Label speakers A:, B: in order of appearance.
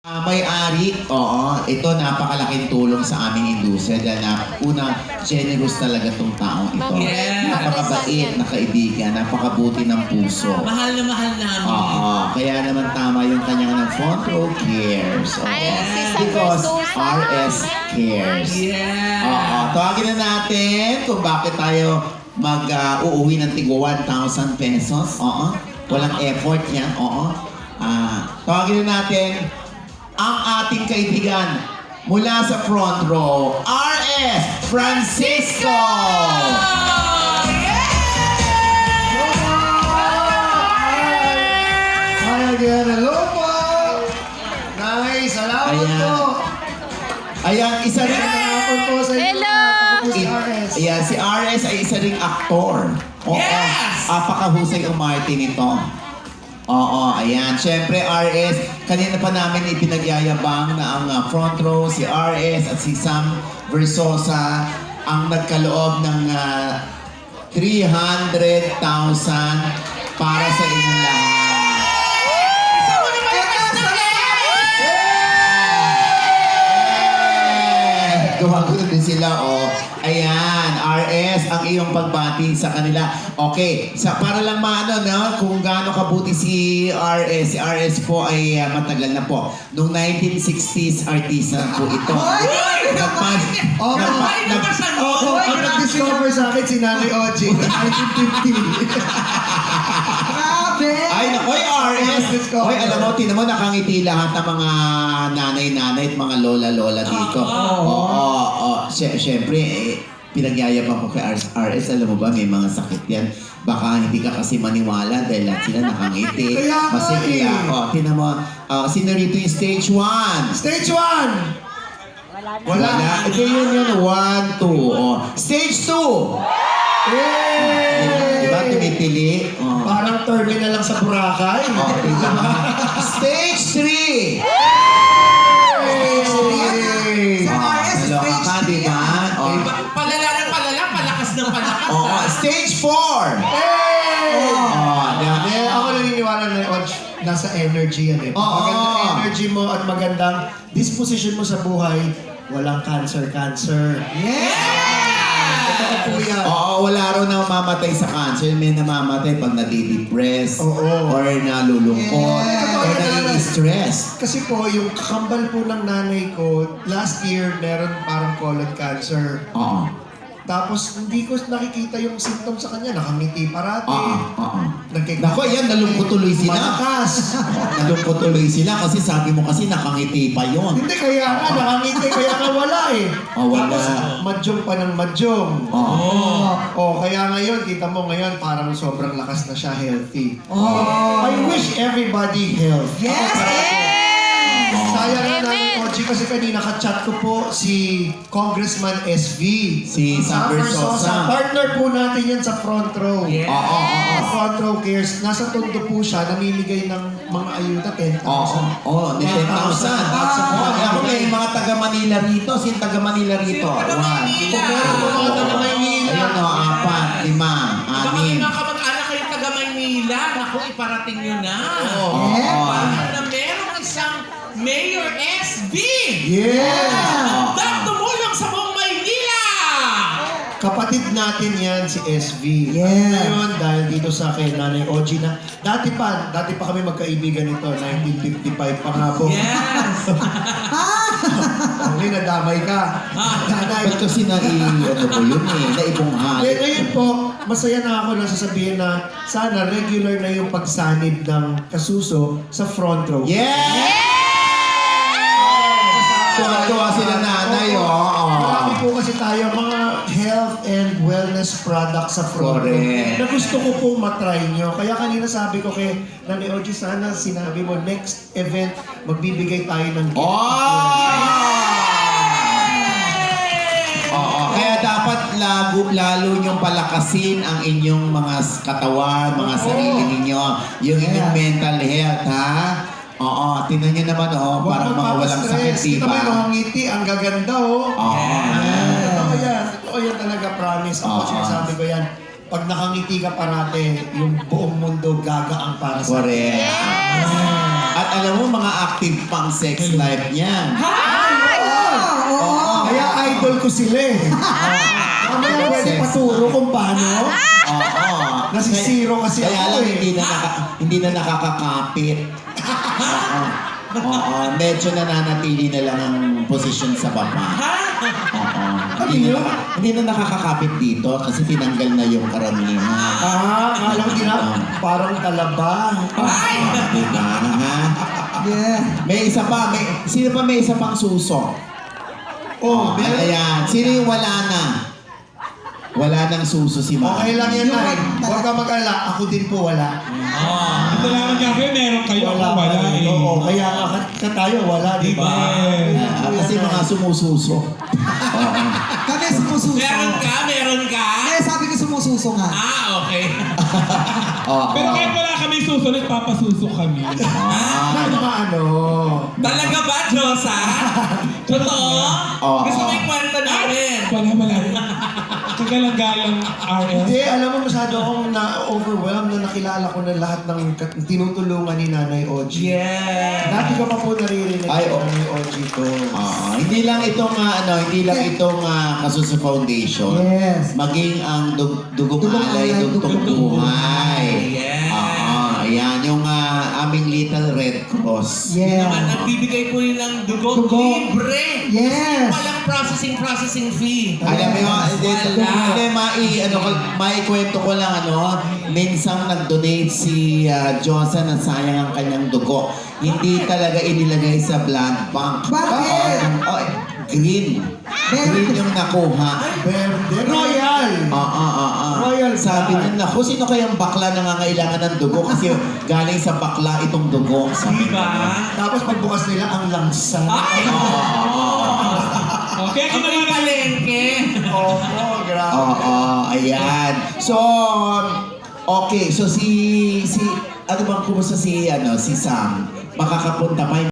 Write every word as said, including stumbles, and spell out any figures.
A: Uh, may-ari, oo, ito napakalaking tulong sa aming industriya dahil na una, generous talaga tong taong ito.
B: Yes.
A: Napakabait na kaibigan, napakabuti ng puso.
B: Mahal na mahal namin.
A: Oo, kaya naman tama yung kanyang ng front row cares. Oo.
C: Ay, si San
A: Because
C: Versosa.
A: R S cares.
B: Yeah.
A: Oo, tawagin na natin kung bakit tayo mag-uuwi ng tigo one thousand pesos. Oo, walang effort yan. Oo. Ah, tawagin na natin ang ating kaibigan mula sa front row, R S Francisco!
D: Hi again, hello po! Nice, salamat
A: Ayan.
D: po!
A: Ayan, isa rin.
D: Salamat po sa inyo.
C: Hello!
D: Ako po si R S.
A: Ayan, si R S ay isa ring aktor. Oo,
B: Yes!
A: apakahusay umarte nito. Oo, ayan. Siyempre, R S, kanina pa namin ipinagyayabang na ang uh, front row, si R S at si Sam Versosa ang nagkaloob ng uh, three hundred thousand para sa inyong lahat. Gumagulo din sila, oh. Ayan, R S, ang iyong pagbati sa kanila. Okay, sa para lang maano, no, kung gaano kabuti si R S. Si R S po ay uh, matagal na po. Noong nineteen sixties, artista po ito. Nagpas...
D: Oh,
A: nagpa-
B: Ay,
A: nag-
B: nabasan mo!
D: Oh, ang nag-discover sa akin si Nanay Oji noong nineteen fifty. Grabe!
A: Ay, nakoy, R S! Hoy, alam mo, tinan mo, nakangiti lahat ng mga nanay-nanay at mga lola-lola dito. Oo, oo, oo. Sy- Siyempre, eh, pinagyayabang ko kay R S. Alam mo ba, may mga sakit yan. Baka hindi ka kasi maniwala dahil lahat sila nakangiti.
D: Kaya nga
A: Masigla.
D: eh.
A: Oh, tinan mo, uh, sino rito yung stage one?
D: Stage one!
A: Wala. Ito yun yun, one, two. Oh. Stage two!
D: Yay!
A: Diba, tumitili? Oh.
D: Parang terminal lang sa Boracay.
A: Oh, diba? Stage three!
D: Yay!
A: Sa R S, stage ka, di ba? Oh.
B: Pa- Palala ng palala, palakas ng palakas.
A: Oo,
B: ah.
A: stage four!
D: Hey!
A: Oh,
D: Hindi, ako naniniwala na yung nasa energy yan eh. Pag
A: Oo.
D: magandang energy mo at magandang disposition mo sa buhay, walang cancer-cancer. Totoo po yan.
A: Oo, wala raw na mamatay sa cancer. May namamatay pag nadidepress
D: Oo.
A: or nalulungkot
D: Yeah.
A: or nai-stress.
D: Kasi po, yung kakambal po ng nanay ko, last year, meron parang colon cancer.
A: Oo.
D: Tapos, hindi ko nakikita yung symptoms sa kanya. Nakangiti parati.
A: Oo. Oo.
D: Nagkik-
A: Nako, yan, nalungkot tuloy sila.
D: Malakas.
A: Nalungkot tuloy sila kasi sabi mo kasi nakangiti pa yon.
D: Hindi, kaya nga, nakangiti, kaya nga wala eh.
A: Oh, wala.
D: Tapos, madyong pa ng madyong.
A: Oo.
D: Oh, kaya ngayon, kita mo ngayon, parang sobrang lakas na siya, healthy.
A: Oh.
D: I wish everybody health.
C: Yes!
D: Sayang na
C: Amen.
D: namin, Oji, kasi kanina ka-chat ko po si Congressman S V.
A: Si Sam Versosa.
D: Partner po natin yan sa front row.
B: Yeah.
A: Oo, oo, oo.
D: Sa front row cares, nasa tondo po siya, namimigay ng mga ayuda, ten
A: Oo,
D: thousand.
A: oo, may ten thousand. Oo, ako may mga taga Manila rito. Sino taga Manila rito?
B: Sino taga
A: One.
B: Maynila?
D: Kung meron po mga taga Maynila.
A: Ayan o, apat, lima,
B: Baka may
A: anim.
B: mga kamag-anak kayong taga Maynila. Naku, iparating nyo na.
A: Oo.
B: Para na merong isang Mayor S V
D: Yeah!
B: na tumulong sa buong Maynila.
D: Kapatid natin yan, si S V. Yeah. Ngayon, dahil dito sa akin, Nanay Oji na, dati pa, dati pa kami magkaibigan nito, nineteen fifty-five pa nga po.
B: Yes.
D: Okay, nadamay ka. Nanay.
A: Ba't kasi na ano po yun eh, naibunghal.
D: Eh, ngayon po, masaya na ako na sasabihin na sana regular na yung pagsanib ng kasuso sa front row.
A: Yeah! Tuwa-tuwa sila nanay, oh.
D: Marami po kasi tayo mga health and wellness products sa front row
A: Correct.
D: na gusto ko po matry nyo. Kaya kanina sabi ko kay Nanay Oji, sana sinabi mo next event, magbibigay tayo ng gift.
A: Oh! Oo, kaya dapat lalo, lalo niyong palakasin ang inyong mga katawan, mga
D: Oo.
A: sarili ninyo, yung inyong
D: Yeah.
A: mental health, ha? Oo, tingnan niyo naman, oh, parang mga walang sakit,
D: Kita mo
A: diba?
D: yung ngiti, ang gaganda, oh.
A: Oo.
D: Totoo yan. Totoo yan talaga, promise. Ako
A: Oo.
D: sinasabi ko yan. Pag nakangiti ka parate, yung buong mundo gagaang para sa
A: Correct.
C: Yes!
A: At alam mo, mga active pang sex life niyan.
D: Oo. Kaya idol ko sila eh. Mamaya pwede paturo kung paano.
A: Oo.
D: Nasisiro kasi
A: Kaya
D: ako
A: lang
D: eh.
A: hindi na, naka, hindi na nakakakapit. Oo. Oo. Medyo nananatili na lang ang posisyon sa baba. Oo. Hindi na, naka- hindi na nakakakapit dito kasi tinanggal na yung karamihan.
D: Ah, akala ko tina, parang talaba.
B: Ay!
A: Diba? Ha?
C: Yeah.
A: May isa pa. May, sino pa may isa pang suso?
D: Oh,
A: Ay,
D: meron.
A: ayan. Sino yung wala na? Wala nang suso si Mami.
D: Okay lang yan,
C: Yung-
D: Nay. Huwag ka mag-alala. Ako din po wala.
B: Ah.
E: Ito lang nga kayo, meron kayo ako wala
D: pa rin.
E: eh.
D: Oo, kaya nga ka, ka tayo wala, di ba?
E: Yes.
A: Ah, kasi mga sumususo. Oo.
C: Kami sumususo.
B: Meron ka? Meron ka?
C: Kaya sabi ko sumususo nga.
B: Ah, okay.
A: Oo.
E: Pero kahit wala kami susunod, papasuso kami.
A: Ah.
D: May mga ano.
B: Talaga ba, Josa? Totoo?
A: Oo.
B: Gusto mo yung kwento namin?
E: Wala, wala. Kagalang-galang R L.
D: Hindi, alam mo masyado akong na-overwhelmed na nakilala ko na lahat ng kat- tinutulungan ni Nanay Oji.
B: Yeah.
D: Dati ko pa po naririnig
A: Ay,
D: ng
A: oo.
D: Nanay Oji ko.
A: Oo. Hindi lang itong ah, ano, hindi lang itong uh, Kasuso Foundation.
C: Yes.
A: Maging ang dug dugong
C: Dugong
A: alay,
C: Alay,
A: dugtong
C: Dugtong
A: buhay.
B: Yes.
A: Oo. Ayan, yung ah, aming Little Red Cross.
C: Yeah.
B: Naman, nagbibigay po yun ng dugo.
C: Dugo.
B: Libre.
C: Yes.
B: Walang processing processing fee.
A: Alam mo yun, hindi,
B: Wala.
A: hindi, mai, ano, ko- maikwento ko lang, ano, minsang nag-donate si uh, Josa na sayang ang kanyang dugo. Hindi talaga inilagay sa blood bank.
C: Bakit?
A: Oo, oh, green. Green yung nakuha.
D: Verde. Royal!
A: Oo, oo, oo.
D: Royal
A: Sabi
D: blood.
A: niya, naku, sino kayang bakla nangangailangan ng dugo? Kasi galing sa bakla itong dugo. Sabi
B: Diba?
A: niya.
D: Tapos pagbukas nila ang langsa.
B: Ay!
A: Oo, oo, oo.
E: Okay,
B: Ang may palengke.
D: Opo, grabe.
A: Oo, ayan. So, okay. So, si, si, ano bang kumusta si, ano, si Sam? Makakapunta pa